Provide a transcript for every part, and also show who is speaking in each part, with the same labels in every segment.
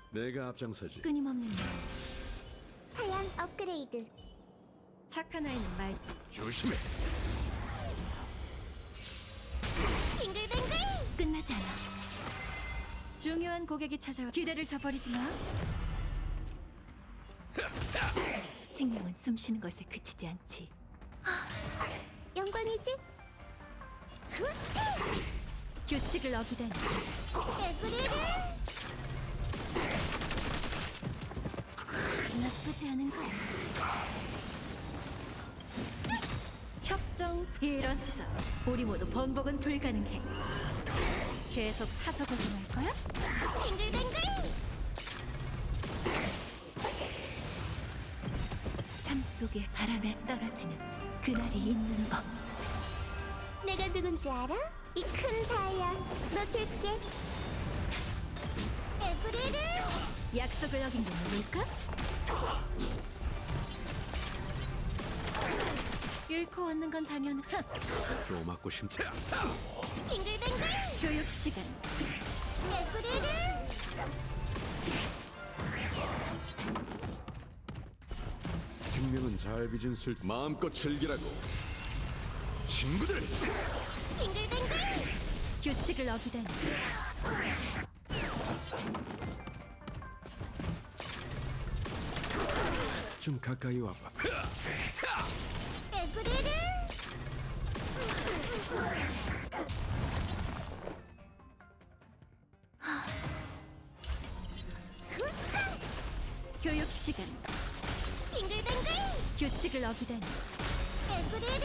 Speaker 1: 내가 앞장서지.
Speaker 2: 끊임없는 일.
Speaker 3: 사양 업그레이드.
Speaker 2: 착한 아이는 말.
Speaker 1: 조심해.
Speaker 3: 빙글빙글.
Speaker 2: 끝나지 않아. 중요한 고객이 찾아와 기대를 저버리지 마. 생명은 숨쉬는 것에 그치지 않지.
Speaker 3: 영광이지? 후치!
Speaker 2: 규칙을 어기다니.
Speaker 3: 개구리를.
Speaker 2: 나쁘지 않은 거. 협정 이뤘어. 우리 모두 번복은 불가능해. 계속 사서 고생할 거야?
Speaker 3: 빙글빙글.
Speaker 2: 삶 속에 바람에 떨어지는 그날이 있는 법.
Speaker 3: 내가 누군지 알아? 이 큰 사양. 너 줄게. 개구리를.
Speaker 2: 약속을 어긴 게 누굴까? 잃고 얻는 건 당연한
Speaker 1: 또 맞고 싶다.
Speaker 3: 빙글빙글.
Speaker 2: 교육 시간.
Speaker 3: 개구리를.
Speaker 1: 생명은 잘 빚은 술 마음껏 즐기라고. 친구들.
Speaker 3: 빙글빙글.
Speaker 2: 규칙을 어기다니.
Speaker 1: 좀 가까이 와봐.
Speaker 3: 개구리를.
Speaker 2: 교육 시간.
Speaker 3: 빙글빙글.
Speaker 2: 규칙을 어기다니.
Speaker 3: 개구리를.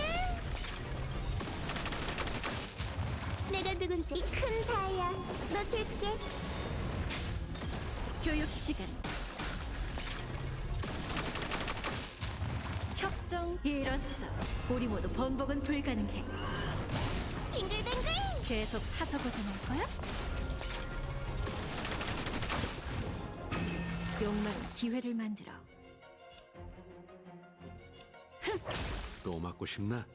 Speaker 3: 내가 누군지 이 큰 사양. 너 줄게.
Speaker 2: 교육 시간. 협정 이뤘어. 우리 모두 번복은 불가능해.
Speaker 3: 빙글빙글.
Speaker 2: 계속 사서 고생할 거야? 욕망은 기회를 만들어.
Speaker 1: 또 맞고 싶나?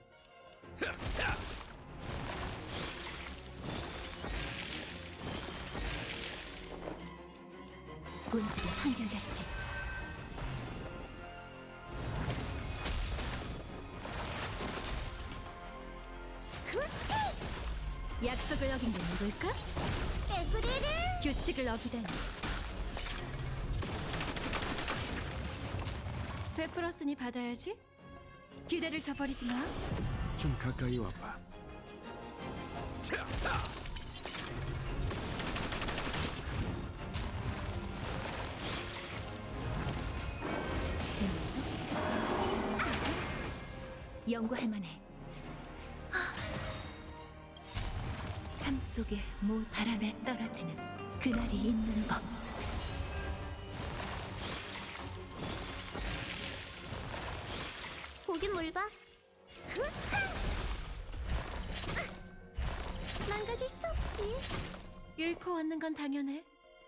Speaker 2: 본질은 한결같지.
Speaker 3: 후치!
Speaker 2: 약속을 어긴 게 누굴까?
Speaker 3: 개구리를.
Speaker 2: 규칙을 어기다니. 베풀었으니 받아야지. 기대를 저버리지 마.
Speaker 1: 좀 가까이 와봐.
Speaker 2: 재밌어? 연구할 만해. 삶 속에 모 바람에 떨어지는 그날이 있는 법.
Speaker 3: 보긴 뭘 봐. 후차! 망가질 수 없지.
Speaker 2: 잃고 얻는 건 당연해.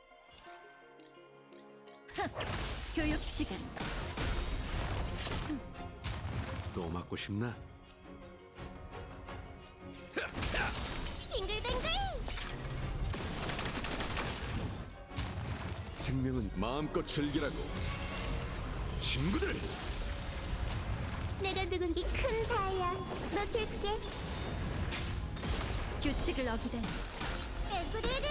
Speaker 2: 교육 시간.
Speaker 1: 또 맞고 싶나?
Speaker 3: 빙글빙글.
Speaker 1: 생명은 마음껏 즐기라고. 친구들.
Speaker 3: 내가 누군지 이 큰 사양. 너 줄게.
Speaker 2: 규칙을 어기다니.
Speaker 3: 개구리를.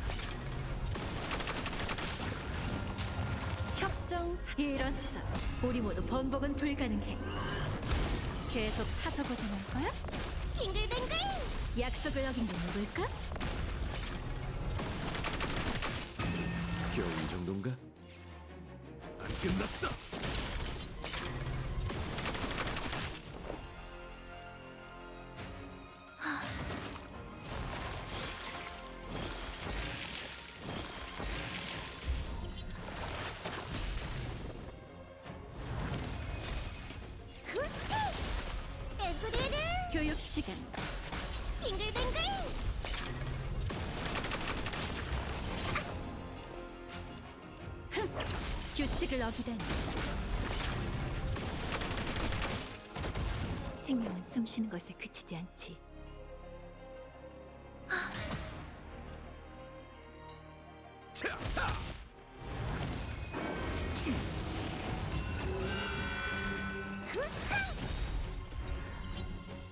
Speaker 2: 협정 이뤘어. 우리 모두 번복은 불가능해. 계속 사서 고생할 거야?
Speaker 3: 빙글빙글.
Speaker 2: 약속을 어긴 게 누굴까?
Speaker 1: 겨우 이 정도인가? 안 끝났어.
Speaker 3: 후치! 개구리를.
Speaker 2: 교육 시간.
Speaker 3: 빙글빙글.
Speaker 2: 규칙을 어기다니. 생명은 숨쉬는 것에 그치지 않지.